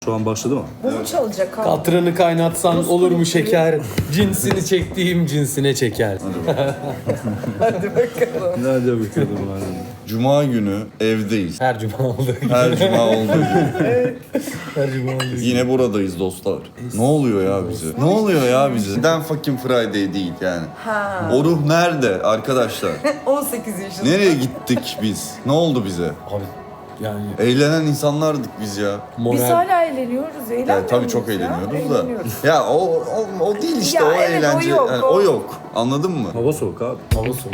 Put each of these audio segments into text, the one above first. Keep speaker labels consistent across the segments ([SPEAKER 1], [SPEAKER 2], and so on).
[SPEAKER 1] Şu an başladı mı?
[SPEAKER 2] Bu mu çalacak abi?
[SPEAKER 3] Katranı kaynatsan olur mu şeker? Cinsini çektiğim cinsine çeker.
[SPEAKER 2] Hadi bakalım.
[SPEAKER 1] Nerede bakalım abi?
[SPEAKER 4] Cuma günü evdeyiz.
[SPEAKER 3] Her cuma olduğu gibi.
[SPEAKER 4] Her cuma olduğu gibi.
[SPEAKER 3] Her cuma olduğu gibi.
[SPEAKER 4] Yine buradayız dostlar. Ne oluyor ya bize? Ne oluyor ya bize? Neden fucking Friday değil yani?
[SPEAKER 2] Ha.
[SPEAKER 4] O ruh nerede arkadaşlar?
[SPEAKER 2] 18 yaşında.
[SPEAKER 4] Nereye gittik biz? Ne oldu bize?
[SPEAKER 3] Abi yani
[SPEAKER 4] Eğlenen insanlardık biz ya.
[SPEAKER 2] Biz
[SPEAKER 3] moral.
[SPEAKER 2] hala eğleniyoruz. Eğlenmiyor
[SPEAKER 4] Yani tabii çok
[SPEAKER 2] muyuz ya?
[SPEAKER 4] eğleniyoruz da.
[SPEAKER 2] Eğleniyoruz.
[SPEAKER 4] Ya o değil işte
[SPEAKER 2] Ya
[SPEAKER 4] o
[SPEAKER 2] evet, o
[SPEAKER 4] eğlence.
[SPEAKER 2] yok,
[SPEAKER 4] Yani
[SPEAKER 2] o.
[SPEAKER 4] o yok. Anladın mı?
[SPEAKER 1] Hava soğuk abi.
[SPEAKER 3] Hava soğuk.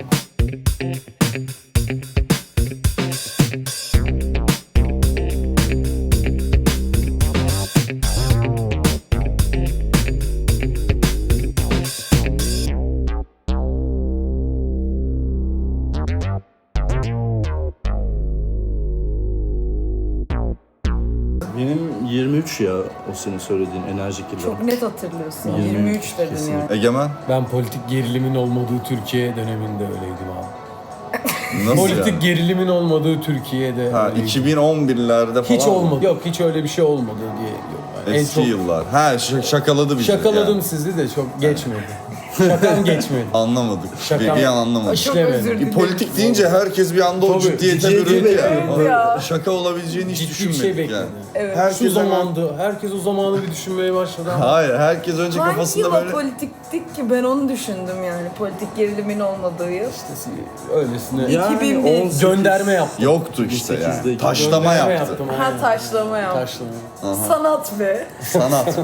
[SPEAKER 1] Benim 23 ya o senin söylediğin enerjik yıllar.
[SPEAKER 2] Çok net hatırlıyorsun.
[SPEAKER 1] 23
[SPEAKER 2] 23 dedin
[SPEAKER 1] kesinlikle.
[SPEAKER 2] yani.
[SPEAKER 4] Egemen
[SPEAKER 3] Ben politik gerilimin olmadığı Türkiye döneminde öyleydim abi.
[SPEAKER 4] nasıl
[SPEAKER 3] Politik
[SPEAKER 4] yani?
[SPEAKER 3] gerilimin olmadığı Türkiye'de
[SPEAKER 4] Ha
[SPEAKER 3] öyleydim.
[SPEAKER 4] 2011'lerde falan.
[SPEAKER 3] Hiç
[SPEAKER 4] mı?
[SPEAKER 3] olmadı. Yok hiç öyle bir şey olmadı diye diyorum. Yani
[SPEAKER 4] Eski yıllar. Ha şakaladı bizi.
[SPEAKER 3] şakaladım
[SPEAKER 4] yani.
[SPEAKER 3] sizi de çok geçmedi. Şakam geçmedi.
[SPEAKER 4] Anlamadık.
[SPEAKER 3] Şaka-
[SPEAKER 4] Bir an anlamadık.
[SPEAKER 2] Çok
[SPEAKER 3] İşlemedim.
[SPEAKER 2] özür dilerim.
[SPEAKER 4] Politik deyince herkes bir anda o
[SPEAKER 3] Tabii,
[SPEAKER 4] ciddiyete
[SPEAKER 3] ciddi
[SPEAKER 4] büründü ya.
[SPEAKER 2] Evet ya.
[SPEAKER 4] Şaka olabileceğini hiç
[SPEAKER 3] Ciddi bir
[SPEAKER 4] düşünmedik
[SPEAKER 3] şey
[SPEAKER 4] yani.
[SPEAKER 3] bekledim.
[SPEAKER 2] Evet.
[SPEAKER 3] Şu
[SPEAKER 4] Herkes hemen-
[SPEAKER 3] zamandı. Herkes o zamanı bir düşünmeye başladı ama.
[SPEAKER 4] Hayır, herkes önce
[SPEAKER 2] Hangi
[SPEAKER 4] kafasında
[SPEAKER 2] yıl
[SPEAKER 4] böyle...
[SPEAKER 2] o politiktik ki ben onu düşündüm yani. Politik gerilimin olmadığı yıl.
[SPEAKER 3] Öylesine
[SPEAKER 1] Yani
[SPEAKER 2] 2001.
[SPEAKER 1] 18
[SPEAKER 3] gönderme yaptım.
[SPEAKER 4] Yoktu işte
[SPEAKER 1] 18'de
[SPEAKER 4] yani. Taşlama
[SPEAKER 3] Gönderme
[SPEAKER 4] yaptı.
[SPEAKER 3] yaptım.
[SPEAKER 2] Ha
[SPEAKER 3] aynen.
[SPEAKER 2] taşlama yap.
[SPEAKER 3] Taşlama.
[SPEAKER 2] Sanat be.
[SPEAKER 4] Sanat.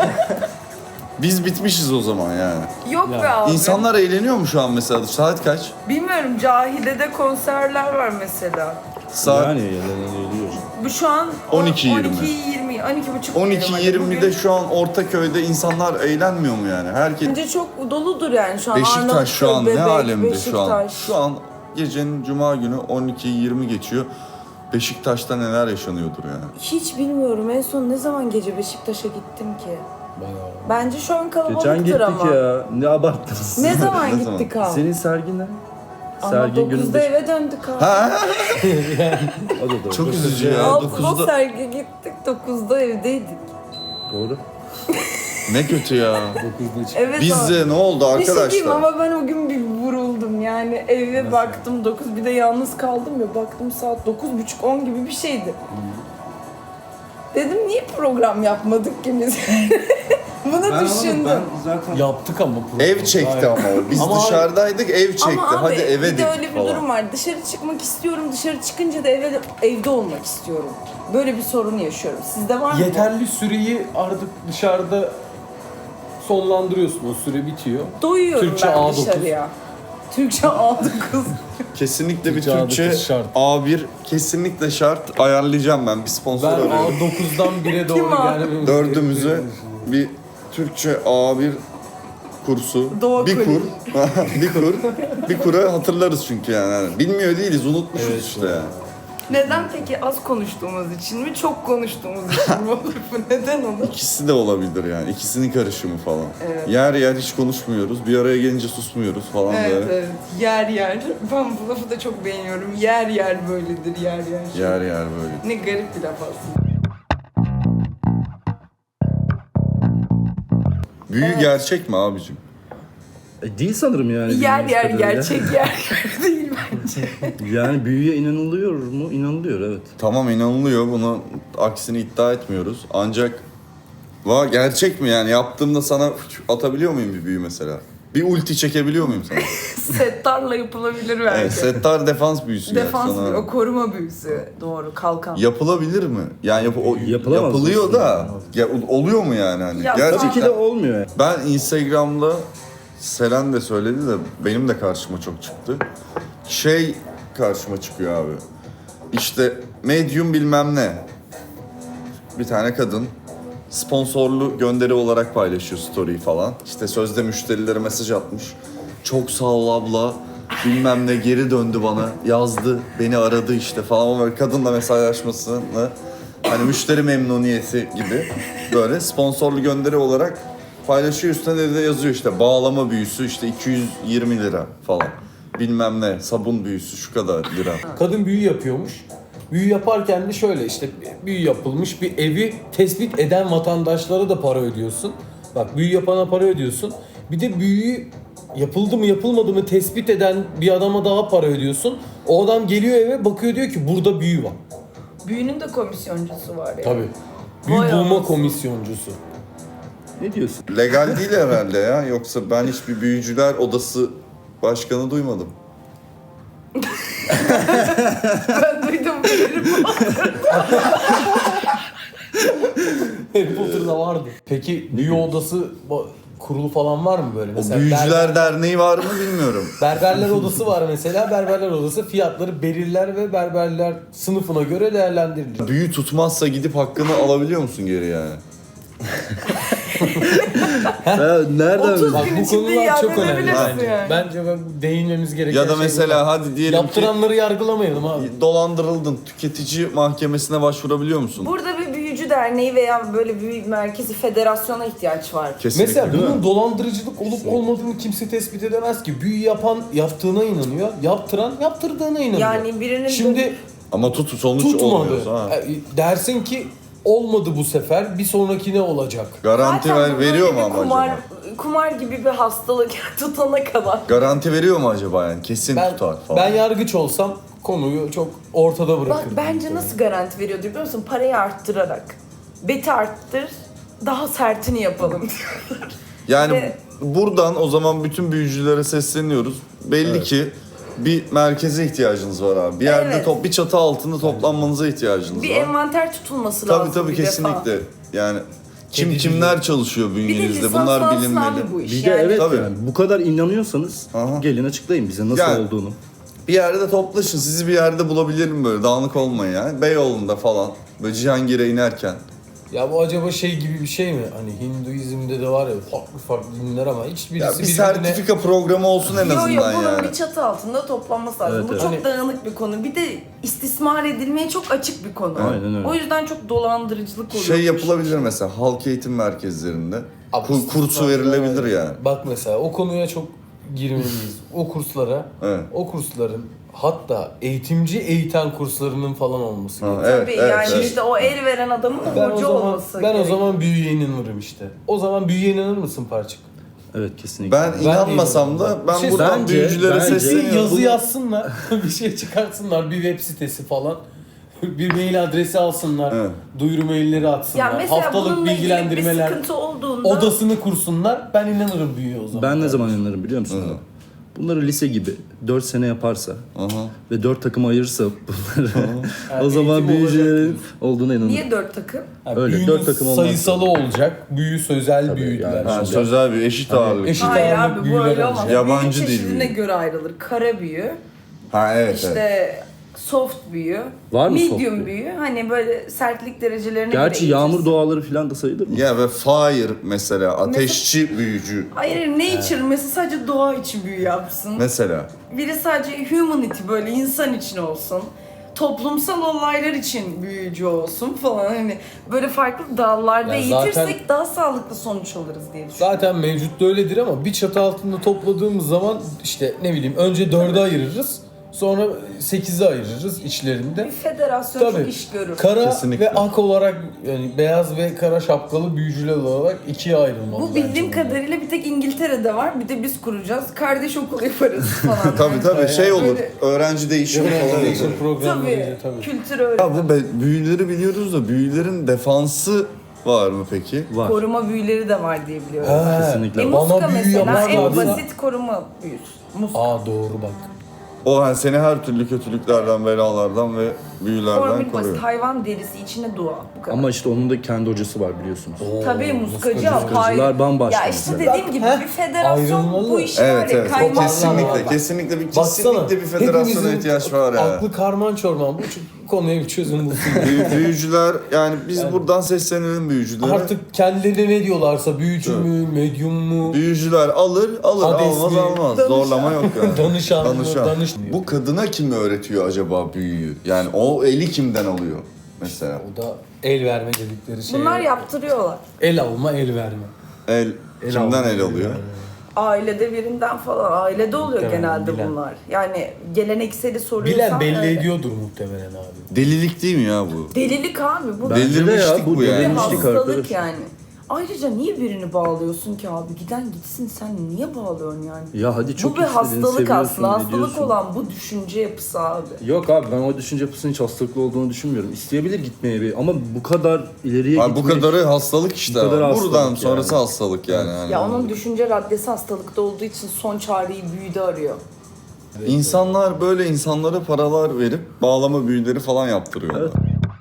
[SPEAKER 4] Biz bitmişiz o zaman yani.
[SPEAKER 2] Yok
[SPEAKER 3] Ya.
[SPEAKER 2] be abi.
[SPEAKER 4] İnsanlar eğleniyor mu şu an mesela? Saat kaç?
[SPEAKER 2] Bilmiyorum, Cahide'de konserler var mesela.
[SPEAKER 4] Saat
[SPEAKER 1] Yani geliyor.
[SPEAKER 2] Bu şu an
[SPEAKER 4] 12.20.
[SPEAKER 2] 12.20, 12.30.
[SPEAKER 4] 12.20'de şu an Ortaköy'de insanlar eğlenmiyor mu yani? Herkes...
[SPEAKER 2] Bence çok doludur yani şu an.
[SPEAKER 4] Beşiktaş şu an
[SPEAKER 2] Arnavutköy,
[SPEAKER 4] ne
[SPEAKER 2] Bebek,
[SPEAKER 4] alemde şu an?
[SPEAKER 2] Beşiktaş.
[SPEAKER 4] Şu an gecenin cuma günü 12.20 geçiyor. Beşiktaş'ta neler yaşanıyordur yani.
[SPEAKER 2] Hiç bilmiyorum. En son ne zaman gece Beşiktaş'a gittim ki?
[SPEAKER 3] Bayağı.
[SPEAKER 2] Bence şu an kalabalıktır
[SPEAKER 1] Geçen gittik
[SPEAKER 2] ama.
[SPEAKER 1] ya. Ne abarttınız.
[SPEAKER 2] Ne zaman
[SPEAKER 4] Ne
[SPEAKER 2] gittik abi?
[SPEAKER 1] Senin sergin ne?
[SPEAKER 2] Ama
[SPEAKER 1] Sergin
[SPEAKER 2] 9'da
[SPEAKER 1] gününde.
[SPEAKER 2] eve döndük abi.
[SPEAKER 1] O da doğru.
[SPEAKER 4] Çok üzücü ya.
[SPEAKER 2] 6'da
[SPEAKER 4] 9'da...
[SPEAKER 2] sergi gittik, 9'da evdeydik.
[SPEAKER 1] Doğru.
[SPEAKER 4] Ne kötü ya.
[SPEAKER 3] 9'da çıktı.
[SPEAKER 2] Evet abi.
[SPEAKER 4] Bizde ne oldu
[SPEAKER 2] Bir şey diyeyim
[SPEAKER 4] arkadaşlar?
[SPEAKER 2] ama ben o gün bir vuruldum yani eve baktım 9, bir de yalnız kaldım ya, baktım saat 9.30-10 gibi bir şeydi. Dedim niye program yapmadık ki biz? Bunu düşündüm.
[SPEAKER 1] zaten...
[SPEAKER 3] Yaptık ama.
[SPEAKER 4] Ev çekti ama o. Biz
[SPEAKER 3] Ama-
[SPEAKER 4] dışarıdaydık, ev çekti.
[SPEAKER 2] Ama abi
[SPEAKER 4] Hadi eve
[SPEAKER 2] bir de öyle
[SPEAKER 4] dik
[SPEAKER 2] bir
[SPEAKER 4] falan.
[SPEAKER 2] durum var. Dışarı çıkmak istiyorum, dışarı çıkınca da evde olmak istiyorum. Böyle bir sorun yaşıyorum. Sizde var mı?
[SPEAKER 3] Yeterli süreyi artık dışarıda sonlandırıyorsun. O süre bitiyor.
[SPEAKER 2] Doyuyorum
[SPEAKER 3] Türkçe
[SPEAKER 2] ben
[SPEAKER 3] A9.
[SPEAKER 2] dışarıya. Türkçe A9.
[SPEAKER 4] Kesinlikle bir
[SPEAKER 3] Türkçe
[SPEAKER 4] Türkçe
[SPEAKER 3] A9 şart.
[SPEAKER 4] A1 kesinlikle şart. Ayarlayacağım ben. Bir sponsor
[SPEAKER 3] Ben
[SPEAKER 4] arıyorum.
[SPEAKER 3] A9'dan 1'e doğru
[SPEAKER 2] Kim o?
[SPEAKER 3] gelmemiz
[SPEAKER 4] Dördümüze
[SPEAKER 3] gerekiyor.
[SPEAKER 4] bir Türkçe A1 kursu.
[SPEAKER 2] Doğa
[SPEAKER 4] bir
[SPEAKER 2] kulübü.
[SPEAKER 4] kur. bir kura hatırlarız çünkü yani. Bilmiyor değiliz, unutmuşuz
[SPEAKER 3] Evet,
[SPEAKER 4] işte yani.
[SPEAKER 2] Neden peki, az konuştuğumuz için mi, çok konuştuğumuz için mi olur bu? Neden olur?
[SPEAKER 4] İkisi de olabilir yani. İkisinin karışımı falan.
[SPEAKER 2] Evet.
[SPEAKER 4] Yer yer hiç konuşmuyoruz. Bir araya gelince susmuyoruz falan
[SPEAKER 2] Evet,
[SPEAKER 4] böyle.
[SPEAKER 2] evet. Yer yer. Ben bu lafı da çok beğeniyorum. Yer yer böyledir, yer yer.
[SPEAKER 4] Yer yer böyle.
[SPEAKER 2] Ne garip bir laf aslında.
[SPEAKER 4] Büyü gerçek mi abicim?
[SPEAKER 1] Değil sanırım yani.
[SPEAKER 2] Yer
[SPEAKER 1] bildiğimiz
[SPEAKER 2] yer
[SPEAKER 1] kadarıyla.
[SPEAKER 2] gerçek yer değil bence.
[SPEAKER 1] Yani büyüye inanılıyor mu? İnanılıyor, evet.
[SPEAKER 4] Tamam, inanılıyor. Bunu aksini iddia etmiyoruz. Ancak gerçek mi yani? Yaptığımda sana atabiliyor muyum bir büyü mesela? Bir ulti çekebiliyor muyum sana?
[SPEAKER 2] Settarla yapılabilir belki.
[SPEAKER 4] Evet, Settar defans büyüsü.
[SPEAKER 2] Defans
[SPEAKER 4] yani sana.
[SPEAKER 2] büyüsü, o koruma büyüsü. Doğru, kalkan.
[SPEAKER 4] Yapılabilir mi? Yani
[SPEAKER 1] Yapılamaz
[SPEAKER 4] yapılıyor
[SPEAKER 1] aslında.
[SPEAKER 4] da oluyor mu yani hani?
[SPEAKER 2] Ya,
[SPEAKER 4] Gerçekten.
[SPEAKER 1] Tabii ki de olmuyor.
[SPEAKER 4] Ben Instagram'da Selen de söyledi de benim de karşıma çok çıktı. Karşıma çıkıyor abi. İşte medium bilmem ne. Bir tane kadın sponsorlu gönderi olarak paylaşıyor story falan. İşte sözde müşterilere mesaj atmış. Çok sağ ol abla. Bilmem ne geri döndü bana. Yazdı. Beni aradı işte falan. Böyle kadınla mesajlaşmasını hani müşteri memnuniyeti gibi böyle sponsorlu gönderi olarak paylaşıyor. Üstüne de yazıyor işte bağlama büyüsü işte 220 lira falan. Bilmem ne sabun büyüsü şu kadar lira.
[SPEAKER 3] Kadın büyü yapıyormuş. Büyü yaparken de şöyle işte büyü yapılmış bir evi tespit eden vatandaşlara da para ödüyorsun. Bak büyü yapana para ödüyorsun. Bir de büyüyü yapıldı mı yapılmadı mı tespit eden bir adama daha para ödüyorsun. O adam geliyor eve bakıyor diyor ki burada büyü var.
[SPEAKER 2] Büyünün de komisyoncusu var ya.
[SPEAKER 3] Tabii. Büyü
[SPEAKER 2] Vay
[SPEAKER 3] bulma
[SPEAKER 2] anasını.
[SPEAKER 3] komisyoncusu.
[SPEAKER 1] Ne diyorsun?
[SPEAKER 4] Legal değil herhalde ya. Yoksa ben hiçbir büyücüler odası başkanı duymadım.
[SPEAKER 2] Ben duydum bilirim.
[SPEAKER 3] Harry Potter'da vardı. Peki büyü odası kurulu falan var mı böyle?
[SPEAKER 4] O
[SPEAKER 3] Mesela
[SPEAKER 4] büyücüler derneği var mı bilmiyorum.
[SPEAKER 3] Berberler odası var mesela. Berberler odası fiyatları belirler ve berberler sınıfına göre değerlendirilir.
[SPEAKER 4] Büyü tutmazsa gidip hakkını alabiliyor musun geri yani?
[SPEAKER 1] Nereden?
[SPEAKER 2] 30
[SPEAKER 3] Bak
[SPEAKER 2] gün
[SPEAKER 3] bu
[SPEAKER 2] içinde
[SPEAKER 3] konular
[SPEAKER 2] iade
[SPEAKER 3] çok önemli
[SPEAKER 2] edebilirsin
[SPEAKER 3] bence.
[SPEAKER 2] yani.
[SPEAKER 3] Bence değinmemiz gereken
[SPEAKER 4] Ya da
[SPEAKER 3] şey
[SPEAKER 4] mesela
[SPEAKER 3] bu.
[SPEAKER 4] hadi diyelim
[SPEAKER 3] Yaptıranları yargılamayalım abi.
[SPEAKER 4] ki dolandırıldın. Tüketici mahkemesine başvurabiliyor musun?
[SPEAKER 2] Burada bir büyücü derneği veya böyle bir merkezi federasyona ihtiyaç var.
[SPEAKER 4] Kesinlikle.
[SPEAKER 3] Mesela
[SPEAKER 4] değil mi?
[SPEAKER 3] bunun dolandırıcılık olup olmadığını kimse tespit edemez ki. Büyü yapan yaptığına inanıyor, yaptıran yaptırdığına inanıyor.
[SPEAKER 2] Yani birinin
[SPEAKER 3] Şimdi
[SPEAKER 4] Ama sonuç olmuyor.
[SPEAKER 3] tutmadı.
[SPEAKER 4] Ha.
[SPEAKER 3] Dersin ki olmadı bu sefer, bir sonraki ne olacak?
[SPEAKER 4] Garanti
[SPEAKER 2] Zaten
[SPEAKER 4] veriyor mu
[SPEAKER 2] böyle
[SPEAKER 4] ama
[SPEAKER 2] bir
[SPEAKER 4] acaba?
[SPEAKER 2] kumar gibi bir hastalık tutana kadar.
[SPEAKER 4] Garanti veriyor mu acaba yani? Kesin tutar falan.
[SPEAKER 3] Ben yargıç olsam konuyu çok ortada
[SPEAKER 2] Bak
[SPEAKER 3] bırakırdım.
[SPEAKER 2] bence nasıl garanti veriyor biliyor musun? Parayı arttırarak. Beti arttır, daha sertini yapalım.
[SPEAKER 4] Yani
[SPEAKER 2] Ve-
[SPEAKER 4] buradan o zaman bütün büyücülere sesleniyoruz. Belli ki bir merkeze ihtiyacınız var abi. Bir yerde
[SPEAKER 2] Evet.
[SPEAKER 4] bir çatı altında toplanmanıza ihtiyacınız
[SPEAKER 2] Bir
[SPEAKER 4] var.
[SPEAKER 2] envanter tutulması
[SPEAKER 4] Tabii
[SPEAKER 2] lazım
[SPEAKER 4] tabii
[SPEAKER 2] bir defa.
[SPEAKER 4] kesinlikle. Yani
[SPEAKER 3] Kedicilik.
[SPEAKER 4] kimler çalışıyor
[SPEAKER 2] Bir de
[SPEAKER 4] bünyenizde bunlar
[SPEAKER 2] lisanslansın
[SPEAKER 4] bilinmeli.
[SPEAKER 2] abi bu iş.
[SPEAKER 1] Bir de
[SPEAKER 2] yani.
[SPEAKER 1] evet
[SPEAKER 4] Tabii.
[SPEAKER 1] yani bu kadar inanıyorsanız
[SPEAKER 4] Aha.
[SPEAKER 1] gelin açıklayın bize nasıl
[SPEAKER 4] Yani-
[SPEAKER 1] olduğunu.
[SPEAKER 4] Bir yerde toplaşın. Sizi bir yerde bulabilirim böyle. Dağınık olmayın yani. Beyoğlu'nda falan. Böyle Cihangir'e inerken.
[SPEAKER 3] Ya bu acaba şey gibi bir şey mi? Hani Hinduizm'de de var ya farklı dinler ama hiçbirisi
[SPEAKER 4] Ya bir
[SPEAKER 3] birbirine...
[SPEAKER 4] sertifika programı olsun en
[SPEAKER 2] Yo yo
[SPEAKER 4] azından
[SPEAKER 2] bunun
[SPEAKER 4] yani.
[SPEAKER 2] bir çatı altında toplanması lazım.
[SPEAKER 1] Evet,
[SPEAKER 2] Bu
[SPEAKER 1] evet.
[SPEAKER 2] çok
[SPEAKER 3] Hani-
[SPEAKER 2] dağınık bir konu. Bir de istismar edilmeye çok açık bir konu.
[SPEAKER 1] Aynen öyle.
[SPEAKER 2] O yüzden çok dolandırıcılık oluyor.
[SPEAKER 4] Şey yapılabilir mesela halk eğitim merkezlerinde.
[SPEAKER 3] Abi
[SPEAKER 4] Kursu
[SPEAKER 3] istismar
[SPEAKER 4] verilebilir
[SPEAKER 3] var.
[SPEAKER 4] yani.
[SPEAKER 3] Bak mesela o konuya çok girmeliyiz. O kurslara,
[SPEAKER 4] Evet.
[SPEAKER 3] o kursların hatta eğitimci eğiten kurslarının falan olması
[SPEAKER 4] Ha,
[SPEAKER 3] gerekiyor.
[SPEAKER 4] evet,
[SPEAKER 2] Tabii
[SPEAKER 4] evet,
[SPEAKER 2] yani
[SPEAKER 4] evet.
[SPEAKER 2] işte o el veren adamın da
[SPEAKER 3] Ben o
[SPEAKER 2] hoca
[SPEAKER 3] zaman
[SPEAKER 2] olması
[SPEAKER 3] ben o
[SPEAKER 2] gerekiyor.
[SPEAKER 3] zaman büyüye inanırım işte. O zaman büyüye inanır mısın Parçık?
[SPEAKER 1] Evet kesinlikle.
[SPEAKER 4] Ben inanmasam da ben
[SPEAKER 3] Şey,
[SPEAKER 4] buradan
[SPEAKER 1] bence-
[SPEAKER 4] büyücülere
[SPEAKER 1] bence-
[SPEAKER 3] Bir
[SPEAKER 4] sesleniyorum.
[SPEAKER 3] yazı yazsınlar, bir şey çıkartsınlar, bir web sitesi falan. Bir mail adresi alsınlar,
[SPEAKER 4] Evet.
[SPEAKER 3] duyuru mailleri atsınlar,
[SPEAKER 2] Ya mesela
[SPEAKER 3] haftalık
[SPEAKER 2] bununla ilgili bir
[SPEAKER 3] bilgilendirmeler,
[SPEAKER 2] sıkıntı olduğunda
[SPEAKER 3] odasını kursunlar. Ben inanırım büyüye o zaman.
[SPEAKER 1] Ben ne zaman inanırım biliyor musun?
[SPEAKER 4] Hı.
[SPEAKER 1] Bunları lise gibi 4 sene yaparsa
[SPEAKER 4] Aha.
[SPEAKER 1] ve 4 takıma ayırırsa bunları o
[SPEAKER 3] Yani
[SPEAKER 1] zaman
[SPEAKER 3] eğitim
[SPEAKER 1] büyücülerin
[SPEAKER 3] olacak.
[SPEAKER 1] olduğuna inanırım.
[SPEAKER 2] niye 4 takım?
[SPEAKER 3] Yani
[SPEAKER 1] Öyle,
[SPEAKER 3] büyünün
[SPEAKER 1] dört takım olmaz.
[SPEAKER 3] sayısalı olacak, büyü sözel
[SPEAKER 1] Tabii,
[SPEAKER 3] büyüdüler.
[SPEAKER 1] yani.
[SPEAKER 4] Ha,
[SPEAKER 3] Şimdi.
[SPEAKER 4] sözel bir eşit ağırlık.
[SPEAKER 3] eşit-
[SPEAKER 2] Hayır
[SPEAKER 3] ağırlık
[SPEAKER 2] abi bu
[SPEAKER 3] büyüler
[SPEAKER 2] öyle
[SPEAKER 3] olacak.
[SPEAKER 2] olmaz.
[SPEAKER 4] Yabancı
[SPEAKER 2] Büyü
[SPEAKER 4] dil
[SPEAKER 2] çeşidine
[SPEAKER 4] büyü.
[SPEAKER 2] göre ayrılır. Kara büyü,
[SPEAKER 4] Ha evet
[SPEAKER 2] işte
[SPEAKER 4] evet.
[SPEAKER 2] soft büyü,
[SPEAKER 1] Var mı soft
[SPEAKER 2] medium
[SPEAKER 1] büyü?
[SPEAKER 2] büyü. Hani böyle sertlik derecelerine
[SPEAKER 1] Gerçi
[SPEAKER 2] göre
[SPEAKER 1] yağmur
[SPEAKER 2] eğitirsin.
[SPEAKER 1] duaları falan da sayılır mı?
[SPEAKER 4] Ya ve fire mesela ateşçi büyücü
[SPEAKER 2] Hayır nature mesela sadece doğa için büyü yapsın.
[SPEAKER 4] mesela.
[SPEAKER 2] Biri sadece humanity böyle insan için olsun. Toplumsal olaylar için büyücü olsun falan hani böyle farklı dallarda
[SPEAKER 3] Ya
[SPEAKER 2] eğitirsek
[SPEAKER 3] zaten-
[SPEAKER 2] daha sağlıklı sonuç alırız diye düşünüyorum.
[SPEAKER 3] Zaten mevcut da öyledir ama bir çatı altında topladığımız zaman işte ne bileyim önce 4'e ayırırız, sonra 8'e ayırırız içlerinde.
[SPEAKER 2] Bir federasyon çok iş görür.
[SPEAKER 3] Kara
[SPEAKER 4] Kesinlikle.
[SPEAKER 3] ve ak olarak yani beyaz ve kara şapkalı büyücüler olarak ikiye ayrılmalı.
[SPEAKER 2] Bu
[SPEAKER 3] bence
[SPEAKER 2] bildiğim
[SPEAKER 3] bunlar.
[SPEAKER 2] kadarıyla bir tek İngiltere'de var. Bir de biz kuracağız. Kardeş okul yaparız falan.
[SPEAKER 4] Tabii tabii şey olur.
[SPEAKER 2] Böyle-
[SPEAKER 4] Öğrenci değişimi falan
[SPEAKER 3] Organization
[SPEAKER 4] olur.
[SPEAKER 3] programları
[SPEAKER 2] Tabii.
[SPEAKER 3] tabii.
[SPEAKER 2] Kültür öyle.
[SPEAKER 4] Ya bu büyüleri biliyoruz da büyülerin defansı var mı peki?
[SPEAKER 1] Var.
[SPEAKER 2] Koruma büyüleri de var diye biliyorum.
[SPEAKER 3] Ha,
[SPEAKER 1] Kesinlikle.
[SPEAKER 2] Muska
[SPEAKER 3] Bana büyü
[SPEAKER 2] mesela en
[SPEAKER 3] yaparlarsa...
[SPEAKER 2] basit koruma büyüsü. Muska.
[SPEAKER 3] Aa doğru bak.
[SPEAKER 4] O hani seni her türlü kötülüklerden, belalardan ve büyülerden
[SPEAKER 2] Koruma basit.
[SPEAKER 4] koruyor.
[SPEAKER 2] Hayvan derisi içine dua. Bu kadar.
[SPEAKER 1] Ama işte onun da kendi hocası var biliyorsunuz.
[SPEAKER 3] Oo,
[SPEAKER 2] Tabii muskacı
[SPEAKER 1] Muskacılar
[SPEAKER 2] hayır.
[SPEAKER 1] bambaşka
[SPEAKER 2] Ya işte
[SPEAKER 1] mesela.
[SPEAKER 2] dediğim gibi
[SPEAKER 3] Heh,
[SPEAKER 2] bir federasyon
[SPEAKER 3] ayrılmalı.
[SPEAKER 2] bu işi var
[SPEAKER 4] Evet
[SPEAKER 2] ya
[SPEAKER 4] evet.
[SPEAKER 2] kaymak.
[SPEAKER 4] Kesinlikle kesinlikle bir kesinlikle bir federasyona
[SPEAKER 3] hepimizin
[SPEAKER 4] ihtiyaç var ya.
[SPEAKER 3] Aklı karman çorman bu konuya bir çözüm bulsun.
[SPEAKER 4] Büyücüler yani biz buradan seslenelim büyücülere.
[SPEAKER 3] Artık kendileri ne diyorlarsa büyücü mü, medyum mu,
[SPEAKER 4] Büyücüler alır
[SPEAKER 3] Hades
[SPEAKER 4] almaz
[SPEAKER 3] mi?
[SPEAKER 4] almaz.
[SPEAKER 2] Danışan.
[SPEAKER 4] Zorlama yok yani.
[SPEAKER 3] danışan mı,
[SPEAKER 4] Danışan.
[SPEAKER 3] danış.
[SPEAKER 4] Bu kadına kim öğretiyor acaba büyüyü? Yani o eli kimden alıyor mesela?
[SPEAKER 3] O da el verme dedikleri şey.
[SPEAKER 2] Bunlar yaptırıyorlar.
[SPEAKER 3] El alma, el verme.
[SPEAKER 4] El kimden
[SPEAKER 3] alma,
[SPEAKER 4] el alıyor?
[SPEAKER 3] verme.
[SPEAKER 2] Ailede birinden falan. Ailede oluyor
[SPEAKER 3] Muhtemelen
[SPEAKER 2] genelde
[SPEAKER 3] bilen.
[SPEAKER 2] bunlar. Yani gelenekseli soruyorsan
[SPEAKER 3] Bilen belli
[SPEAKER 2] öyle.
[SPEAKER 3] ediyordur muhtemelen abi.
[SPEAKER 4] Delilik değil mi ya bu?
[SPEAKER 2] Delilik abi bu.
[SPEAKER 1] Bence de
[SPEAKER 4] Delirmişlik
[SPEAKER 1] ya, bu
[SPEAKER 4] bu yani.
[SPEAKER 2] Bir
[SPEAKER 1] delirmişlik
[SPEAKER 2] hastalık
[SPEAKER 1] arkadaş.
[SPEAKER 2] yani. Ayrıca niye birini bağlıyorsun ki abi? Giden gitsin, sen niye bağlıyorsun yani?
[SPEAKER 1] Ya hadi çok
[SPEAKER 2] Bu bir
[SPEAKER 1] istediğini
[SPEAKER 2] hastalık
[SPEAKER 1] seviyorsun,
[SPEAKER 2] aslında. Hastalık
[SPEAKER 1] ediyorsun.
[SPEAKER 2] olan bu düşünce yapısı abi.
[SPEAKER 1] Yok abi, ben o düşünce yapısının hiç hastalıklı olduğunu düşünmüyorum. İsteyebilir gitmeye bir, ama bu kadar ileriye
[SPEAKER 4] Abi bu
[SPEAKER 1] gitmek...
[SPEAKER 4] kadarı hastalık işte.
[SPEAKER 1] Bu kadar
[SPEAKER 4] Buradan
[SPEAKER 1] hastalık
[SPEAKER 4] sonrası
[SPEAKER 1] yani.
[SPEAKER 4] hastalık yani. Hani
[SPEAKER 2] Ya onun düşünce raddesi hastalıkta olduğu için son çareyi büyüde arıyor.
[SPEAKER 4] İnsanlar böyle insanlara paralar verip bağlama büyüleri falan yaptırıyorlar.
[SPEAKER 1] Evet.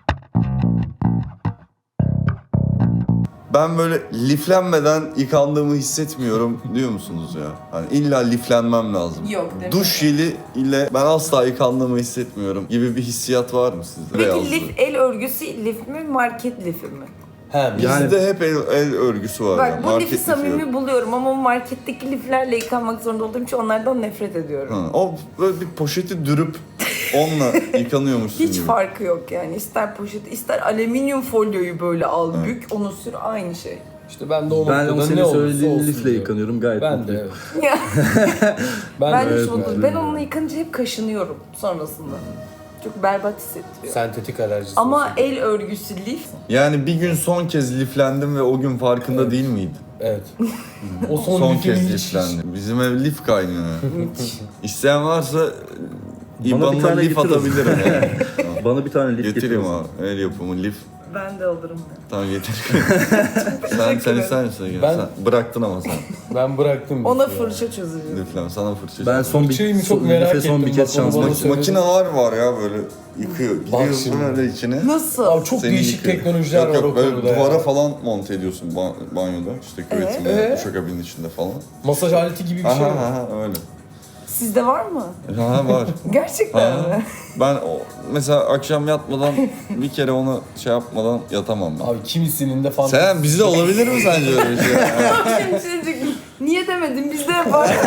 [SPEAKER 4] Ben böyle liflenmeden yıkandığımı hissetmiyorum diyor musunuz ya? Hani illa liflenmem lazım.
[SPEAKER 2] Yok, değil mi?
[SPEAKER 4] Duş jeli ile ben asla yıkandığımı hissetmiyorum gibi bir hissiyat var mı sizde?
[SPEAKER 2] Peki
[SPEAKER 4] Beyazlı.
[SPEAKER 2] lif, el örgüsü lif mi, market lifi mi?
[SPEAKER 3] He,
[SPEAKER 4] Bizde
[SPEAKER 1] Yani-
[SPEAKER 4] hep el örgüsü var.
[SPEAKER 2] Bak
[SPEAKER 4] yani,
[SPEAKER 2] bu
[SPEAKER 4] market
[SPEAKER 2] lifi
[SPEAKER 4] lifi
[SPEAKER 2] samimi
[SPEAKER 4] yok.
[SPEAKER 2] buluyorum ama marketteki liflerle yıkanmak zorunda olduğum için onlardan nefret ediyorum.
[SPEAKER 4] Hı, o böyle bir poşeti dürüp onunla yıkanıyormuşsun
[SPEAKER 2] Hiç
[SPEAKER 4] gibi.
[SPEAKER 2] farkı yok yani. İster poşet, ister alüminyum folyoyu böyle al, bük, onu sür, aynı şey.
[SPEAKER 3] İşte ben de o
[SPEAKER 1] Ben
[SPEAKER 3] noktada
[SPEAKER 1] o
[SPEAKER 3] ne
[SPEAKER 1] senin
[SPEAKER 3] olursa
[SPEAKER 1] söylediğin
[SPEAKER 3] olsun
[SPEAKER 1] lifle
[SPEAKER 3] diyorum.
[SPEAKER 1] yıkanıyorum, gayet
[SPEAKER 3] Ben de
[SPEAKER 1] mutluyum.
[SPEAKER 3] evet.
[SPEAKER 2] Ya,
[SPEAKER 3] Ben,
[SPEAKER 2] ben
[SPEAKER 3] de
[SPEAKER 2] hiç
[SPEAKER 3] evet,
[SPEAKER 2] mutlu
[SPEAKER 3] mutluyum.
[SPEAKER 2] Ben onunla yıkanınca hep kaşınıyorum sonrasında. Çok berbat hissettiriyor.
[SPEAKER 3] Sentetik alerjisi.
[SPEAKER 2] Ama
[SPEAKER 3] olsun.
[SPEAKER 2] el örgüsü lif,
[SPEAKER 4] Yani bir gün son kez liflendim ve o gün farkında değil miydim?
[SPEAKER 3] Evet. O son,
[SPEAKER 4] Son
[SPEAKER 3] lifini
[SPEAKER 4] kez
[SPEAKER 3] hiç-
[SPEAKER 4] liflendim. Bizim ev lif kaynıyor. İsteyen varsa
[SPEAKER 1] bir
[SPEAKER 4] İBAN'la
[SPEAKER 1] tane
[SPEAKER 4] lif
[SPEAKER 1] getir o
[SPEAKER 4] atabilirim yani.
[SPEAKER 1] Bana bir tane lif
[SPEAKER 4] Getireyim
[SPEAKER 1] getirirsin.
[SPEAKER 4] abi. El yapımı lif.
[SPEAKER 2] ben de alırım.
[SPEAKER 4] Tamam getir. sen ister misin? Gel.
[SPEAKER 3] Ben-
[SPEAKER 4] Sen bıraktın ama sen.
[SPEAKER 3] Ben bıraktım.
[SPEAKER 2] Ona
[SPEAKER 3] lifi ya.
[SPEAKER 2] fırça çözeceğim.
[SPEAKER 4] Liflem. Sana fırça.
[SPEAKER 1] Ben son
[SPEAKER 3] Fırçayı mı
[SPEAKER 1] bir,
[SPEAKER 3] çok
[SPEAKER 1] son,
[SPEAKER 3] merak
[SPEAKER 1] life son bir
[SPEAKER 3] ettim,
[SPEAKER 1] kez
[SPEAKER 3] bak onu
[SPEAKER 1] şansım
[SPEAKER 3] bana
[SPEAKER 1] var.
[SPEAKER 3] söyle.
[SPEAKER 4] Makineler var ya böyle yıkıyor.
[SPEAKER 3] Bak
[SPEAKER 4] Giriyorsun
[SPEAKER 3] şimdi.
[SPEAKER 4] böyle içine.
[SPEAKER 2] Nasıl?
[SPEAKER 3] Abi çok
[SPEAKER 4] Seni
[SPEAKER 3] değişik
[SPEAKER 4] yıkıyor.
[SPEAKER 3] teknolojiler
[SPEAKER 4] Yok,
[SPEAKER 3] var o
[SPEAKER 4] yok, böyle
[SPEAKER 3] konuda
[SPEAKER 4] duvara
[SPEAKER 3] ya.
[SPEAKER 4] falan monte ediyorsun banyoda. İşte küvetin veya duşakabinin içinde falan.
[SPEAKER 3] Masaj aleti gibi bir şey
[SPEAKER 4] Aha
[SPEAKER 3] mi?
[SPEAKER 4] aha öyle.
[SPEAKER 2] Sizde var mı?
[SPEAKER 4] Ha var.
[SPEAKER 2] Gerçekten
[SPEAKER 4] Ha.
[SPEAKER 2] mi?
[SPEAKER 4] Ben mesela akşam yatmadan bir kere onu şey yapmadan yatamam ben.
[SPEAKER 3] Abi kimisinin de fantezi.
[SPEAKER 4] Sen bizde olabilir mi sence öyle bir şey?
[SPEAKER 2] Şimdi niye demedim, bizde var.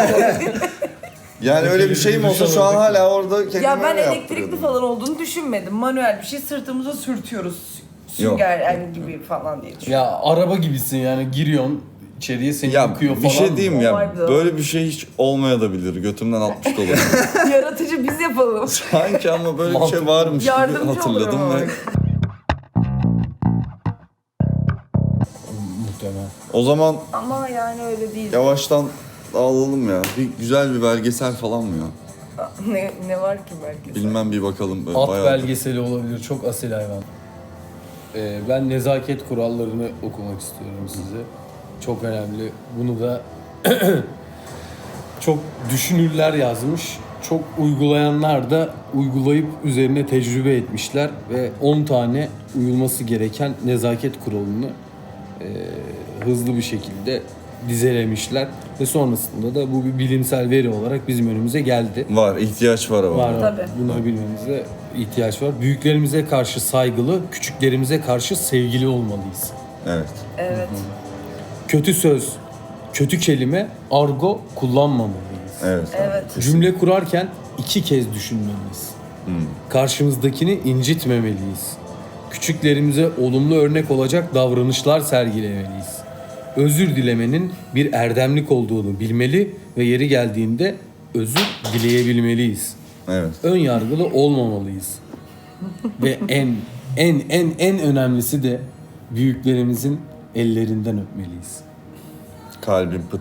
[SPEAKER 4] Yani öyle bir şeyim olsa şu an hala orada kendime
[SPEAKER 2] Ya ben
[SPEAKER 4] öyle
[SPEAKER 2] elektrikli
[SPEAKER 4] yaptırıyordum.
[SPEAKER 2] falan olduğunu düşünmedim. Manuel bir şey sırtımıza sürtüyoruz.
[SPEAKER 4] Yok.
[SPEAKER 2] Sünger yani gibi falan diye düşünüyorum.
[SPEAKER 3] Ya araba gibisin yani giriyorsun içeriye seni
[SPEAKER 4] Ya
[SPEAKER 3] yıkıyor falan.
[SPEAKER 4] bir şey diyeyim ya,
[SPEAKER 2] Olaydı.
[SPEAKER 4] böyle bir şey hiç olmayabilir. Götümden atmış da olabilir.
[SPEAKER 2] Yaratıcı biz yapalım.
[SPEAKER 4] Sanki ama böyle bir şey varmış gibi
[SPEAKER 2] Yardımcı
[SPEAKER 4] hatırladım
[SPEAKER 2] olurum
[SPEAKER 4] ve
[SPEAKER 2] ama.
[SPEAKER 3] Muhtemelen.
[SPEAKER 4] o zaman
[SPEAKER 2] Ama yani öyle değil.
[SPEAKER 4] yavaştan dağılalım ya. Bir güzel bir belgesel falan mı ya?
[SPEAKER 2] Ne var ki belki?
[SPEAKER 4] Bilmem bir bakalım. Böyle
[SPEAKER 3] At
[SPEAKER 4] bayağı-
[SPEAKER 3] belgeseli olabilir. Çok asil hayvan. Ben nezaket kurallarını okumak istiyorum size. Çok önemli. Bunu da çok düşünürler yazmış. Çok uygulayanlar da uygulayıp üzerine tecrübe etmişler ve 10 tane uyulması gereken nezaket kuralını hızlı bir şekilde dizelemişler ve sonrasında da bu bir bilimsel veri olarak bizim önümüze geldi.
[SPEAKER 4] Var, ihtiyaç var ama.
[SPEAKER 3] Var.
[SPEAKER 2] Tabii.
[SPEAKER 3] Bunları bilmemize ihtiyaç var. Büyüklerimize karşı saygılı, küçüklerimize karşı sevgili olmalıyız.
[SPEAKER 4] Evet.
[SPEAKER 2] Evet.
[SPEAKER 3] Kötü söz, kötü kelime, argo kullanmamalıyız.
[SPEAKER 4] Evet.
[SPEAKER 2] Evet.
[SPEAKER 3] Cümle kurarken 2 kez düşünmeliyiz. Karşımızdakini incitmemeliyiz. Küçüklerimize olumlu örnek olacak davranışlar sergilemeliyiz. Özür dilemenin bir erdemlik olduğunu bilmeli ve yeri geldiğinde özür dileyebilmeliyiz.
[SPEAKER 4] Evet.
[SPEAKER 3] Ön yargılı olmamalıyız. Ve en önemlisi de büyüklerimizin ellerinden öpmeliyiz.
[SPEAKER 4] Kalbim pıt.